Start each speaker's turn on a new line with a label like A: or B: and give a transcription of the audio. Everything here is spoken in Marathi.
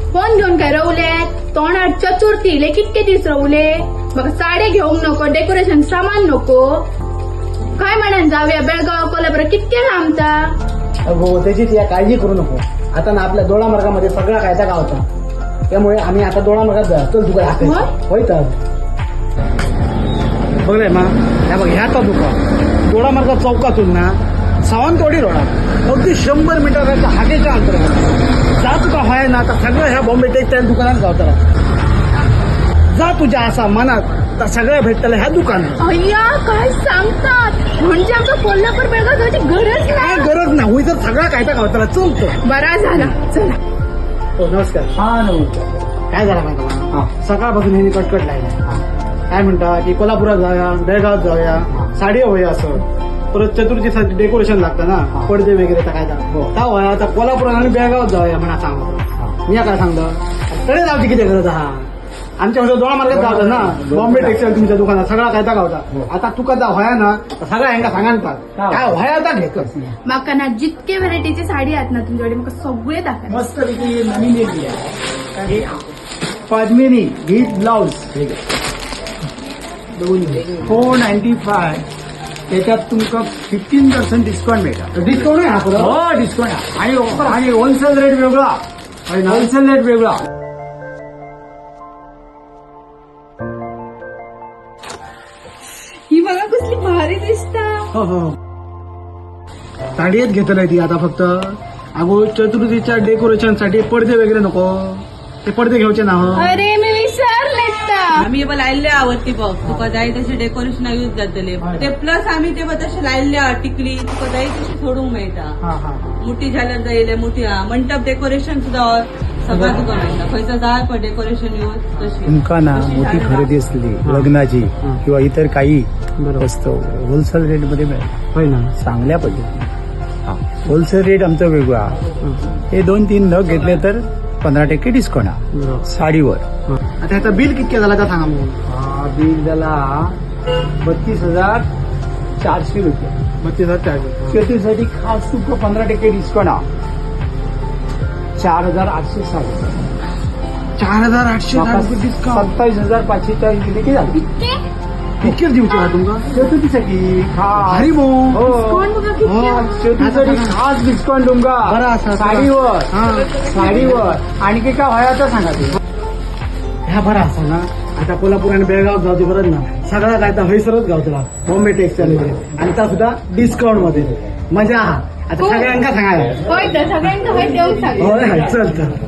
A: फोन घेऊन काय रवले तोंडात चतुर्थी ले कितके दिस रवले मग साडे घेऊक नको डेकोरेशन सामान नको काय म्हणान जाऊया बेळगाव कोल्हापूर कितके लांबता
B: हो त्याची या काळजी करू नको. आता ना आपल्या दोडा मार्गामध्ये सगळा कायदा गावचा त्यामुळे आम्ही आता दोडा मार्गात जा चल तुका होय तर बघलंय मा ह्या बघ ह्या तर दुकान दोडा मार्गात चौकातून ना सावंतवाडी रोडा अगदी 100 मीटरच्या हाकेच्या अंतरावर जा तुका हय ना तर सगळं ह्या बॉम्बे टेक्सटाईल दुकानात गावताला जा तुझ्या असा मनात तर सगळं भेटतलं ह्या दुकानात.
A: अय्या काय सांगतात म्हणजे आमचा कोल्हापूर बेळगाव जायची गरज
B: काय
A: नाही
B: गरज नाही होई तर सगळा कायदा गावताला चलतो.
A: बरा झाला चला.
B: हो नमस्कार.
C: हा नमस्कार.
B: काय झालं माहिती
C: हा.
B: सकाळपासून ह्यांनी कटकट लागला काय म्हणता की कोल्हापुरात जाऊया बेळगावात जाऊया साडी होऊया असं परत चतुर्थीसाठी डेकोरेशन लागतं ना पडदे वगैरे तर काय
C: हो.
B: होया आता कोल्हापुरात आणि बेळगावात जाऊया म्हणा सांगतो मी काय सांगतो कडे जाऊची किती गरज हा आमच्यामध्ये दोन मार्गात जावं ना बॉम्बे टेक्सटाईल तुमच्या दुकानात सगळा कायदा गावता आता तुका जा व्हाया ना तर सगळ्या ह्यांना सांगांतात काय व्हाया आता घेतच
A: माका ना जितके व्हरायटीची साडी आहेत ना तुमच्याकडे मग सगळे दाखवा
C: मस्त पैकी नवीन येतली आहे पद्मिनी विथ ब्लाउज 495 त्याच्यात तुमका 15% डिस्काउंट मिळतात.
B: डिस्काउंट आहे हा परत
C: हो डिस्काउंट आणि ऑफर आणि होलसेल रेट वेगळा होलसेल रेट वेगळा.
A: ही बघा कसली भारी दिसता
B: हो हो साडीच घेतलंय ती आता फक्त अगो चतुर्थीच्या डेकोरेशन साठी पडदे वगैरे नको ते पडदे घ्यायचे ना हो.
A: अरे मी विसरले
D: आम्ही लायल्ले आवडती बघ तुका जाय तसे डेकोरेशन यूज जातले ते प्लस आम्ही ते तसे लायल्ले टिकली तुका जाय तशी सोडूंक मेळटा
B: हा हा
D: मोठी झाल्यार जायले मोठी मंडप डेकोरेशन सुद्धा सगळं तुका मेळटा खंयचं जाय पण डेकोरेशन यूज तशी
E: तुमका ना मोठी खरेदी असली लग्नाची किंवा इतर काही वस्तू होलसेल रेट मध्ये मिळेल
B: होय ना
E: चांगल्या पद्धतीने होलसेल रेट आमचा वेगळा हे 2-3 नग घेतले तर 15% डिस्काउंट साडीवर.
B: आता ह्याचं बिल कितके झाला तर सांगा मग.
C: बिल झाला 32,400 रुपये.
B: 32,400
C: शेतीसाठी खास तुमका 15% डिस्काउंट 4,860.
B: 4,800 डिस्काउंट
C: 27,540 किती झाली
B: कितके दिवचे हा तुमका
C: शेतीसाठी
B: हरी भाऊ
A: कोण बघा किती
C: शेतीसाठी खास डिस्काउंट तुमका
B: बरं असं
C: साडीवर
B: साडीवर
C: आणखी काय व्हाया तर सांगा ते.
B: ह्या बरा असा ना आता कोल्हापूर आणि बेळगाव जाऊ बरं ना सगळा काय तर हैसरच गावतला बॉम्बे टेक्सटाईल मध्ये आणि त्या सुद्धा डिस्काउंट मध्ये मजा आता सगळ्यांका सांगायला
A: होय तर सगळ्यांना होय देऊन सांग
B: होय चल